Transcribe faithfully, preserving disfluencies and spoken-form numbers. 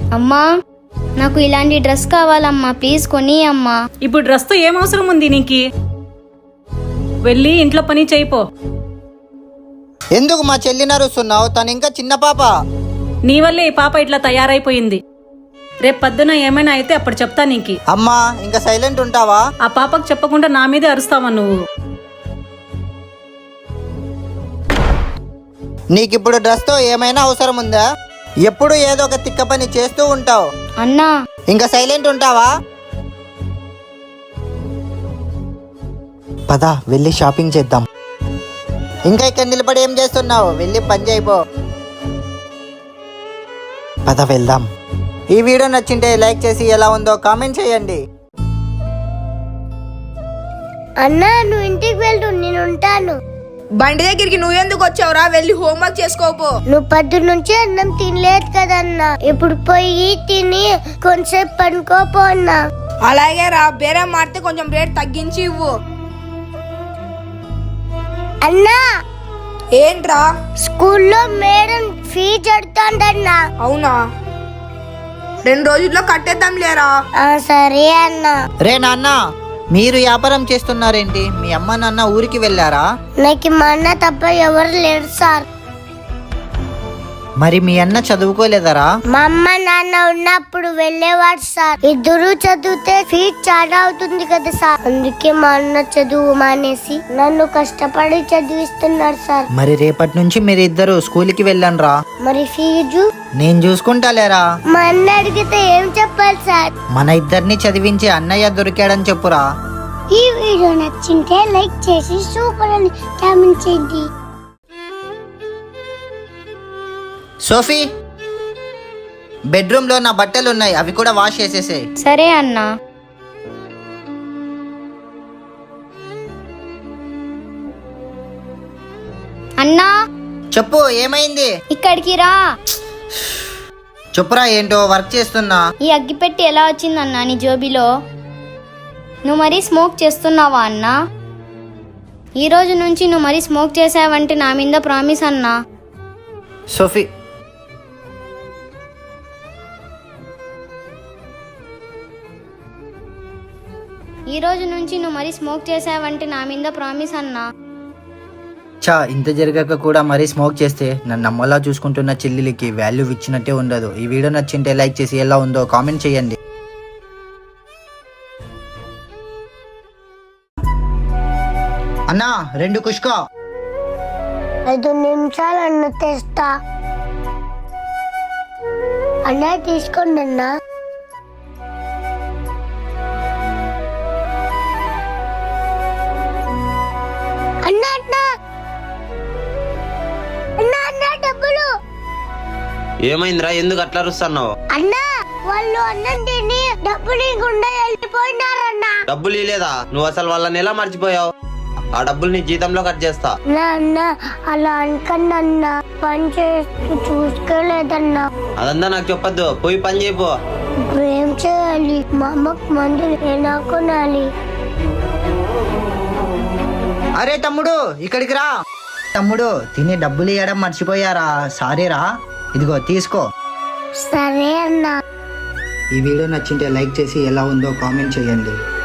అమ్మా నాకు ఇలాంటి డ్రెస్ కావాలమ్మా, ప్లీజ్ కొని అమ్మా. ఇప్పుడు డ్రెస్ తో ఏం అవసరం ఉంది నీకు? వెళ్ళి ఇంట్లో పని చేయిపో. ఎందుకు మా చెల్లి నరుస్తున్నావు? తను ఇంకా చిన్న పాప. నీ వల్లే ఈ పాప ఇట్లా తయారైపోయింది. రేపు పొద్దున ఏమైనా అయితే అప్పుడు చెప్తా నీకు. అమ్మా ఇంకా సైలెంట్ ఉంటావా? ఆ పాపకు చెప్పకుండా నా మీదే అరుస్తావా నువ్వు? నీకిప్పుడు డ్రెస్ తో ఏమైనా అవసరం ఉందా? ఎప్పుడు ఏదో ఒక తిక్క పని చేస్తూ ఉంటావు. అన్నా ఇంకా సైలెంట్ ఉంటావా? పద వెళ్ళి షాపింగ్ చేద్దాం. ఇంకా ఇక్కడ నిలబడి ఏం చేస్తున్నావు? వెళ్ళి పని చేయిపో. పద వెళ్దాం. ఈ వీడియో నచ్చింటే లైక్ చేసి ఎలా ఉందో కామెంట్ చేయండి. అన్నా నువ్వు ఇంటికి వెళ్ళు, నేను ఉంటాను. బండి దగ్గరికి నువ్వెందుకు వచ్చావురా? వెళ్ళి హోంవర్క్ చేసుకోపో. నువ్వు పొద్దు నుంచి అన్నం తినలేదు కదన్నా, ఇప్పుడు పోయి తిని కొంచెంసేపు పనుకోపో అన్నా. అలాగే రా, బేరం మారితే కొంచెం రేట్ తగ్గించి ఇవ్వు. అన్నా ఏంట్రా? స్కూల్లో మేడం ఫీజు అడుగుతాండన్నా. అవునా? రెండు రోజుల్లో కట్టేద్దాం లేరా? సరే అన్నా. రే నాన్న, మీరు వ్యాపారం చేస్తున్నారేంటి? మీ అమ్మ నాన్న ఊరికి వెళ్ళారా? నాకు మా అన్న తప్ప ఎవరు లేరు సార్. మరి మీ అన్న చదువుకోలేదరా? మా అమ్మ నాన్న ఉన్నప్పుడు వెళ్ళేవాడు సార్. ఇద్దరు చదివితే ఫీజు చాలా అవుతుంది కదా సార్, అందుకే మా అన్న చదువు మానేసి నన్ను కష్టపడి చదివిస్తున్నాడు సార్. మరి రేపటి నుంచి మీరు ఇద్దరు స్కూల్కి వెళ్ళండి రా. మరి ఫీజు నేను చూసుకుంటాలేరా. మా అన్న అడిగితే ఏం చెప్పాలి సార్? మన ఇద్దరిని చదివించి అన్నయ్య దొరికాడని చెప్పురా. ఈ వీడియో నచ్చింటే లైక్ చేసి సూపర్ అని కామెంట్ చేయండి. సోఫీ, బెడ్రూమ్ లో నా బట్టలు ఉన్నాయి, అవి కూడా వాష్ చేసేసే. సరే అన్నా. అన్నా చెప్పు, ఏమైంది? ఇక్కడికి రా. చెప్పురా, ఏంటో వర్క్ చేస్తున్నా. ఈ అగ్గిపెట్టి ఎలా వచ్చిందన్నా నీ జోబిలో? నువ్వు మరీ స్మోక్ చేస్తున్నావా అన్నా? ఈ రోజు నుంచి నువ్వు మరీ స్మోక్ చేసావంటే నా మీద ప్రామిస్ అన్నా. సోఫీ, ఈ రోజు నుంచి నువ్వు మరీ స్మోక్ చేసావంటే నా మీద ప్రామిస్ అన్నా. చా ఇంత జరగక కూడా మరీ స్మోక్ చేస్తే నన్ను అమ్మలా చూసుకుంటున్న చెల్లెలికి వాల్యూ ఇచ్చినట్టే ఉండదు. ఈ వీడియో నచ్చింటే లైక్ చేసి ఎలా ఉందో కామెంట్ చేయండి. అన్నా రెండు కుష్కా. ఐదు నిమిషాలు అన్న తెస్తా. అన్న తీసుకోండి అన్నా. అన్న అన్న అన్న అన్న డబ్బులు. ఏమైందిరా? ఎందుకు అట్లా అరుస్తున్నావు? అన్న వాళ్ళు అన్నం తిని డబ్బులు ఇవ్వకుండా వెళ్ళిపోయినారన్నా. డబ్బులు ఇలేదా? నువ్వు అసలు వాళ్ళని ఎలా మర్చిపోయావు? ఆ డబ్బులు నీ జీతంలో కట్ చేస్తా. అన్న అలా అనకండి అన్న, పని చేస్తూ చూసుకోలేదన్నా. అదంతా నాకు చెప్పొద్దు, పోయి పని చేయపో. ఇప్పుడు ఏం చేయాలి? మా అమ్మకు మందులు ఎలా కొనాలి? అరే తమ్ముడు, ఇక్కడికి రా. తమ్ముడు, తిని డబ్బులు ఇవ్వడం మర్చిపోయారా? సారీరా, ఇదిగో తీసుకో. సరే అన్నా. ఈ వీడియో నచ్చింటే లైక్ చేసి ఎలా ఉందో కామెంట్ చేయండి.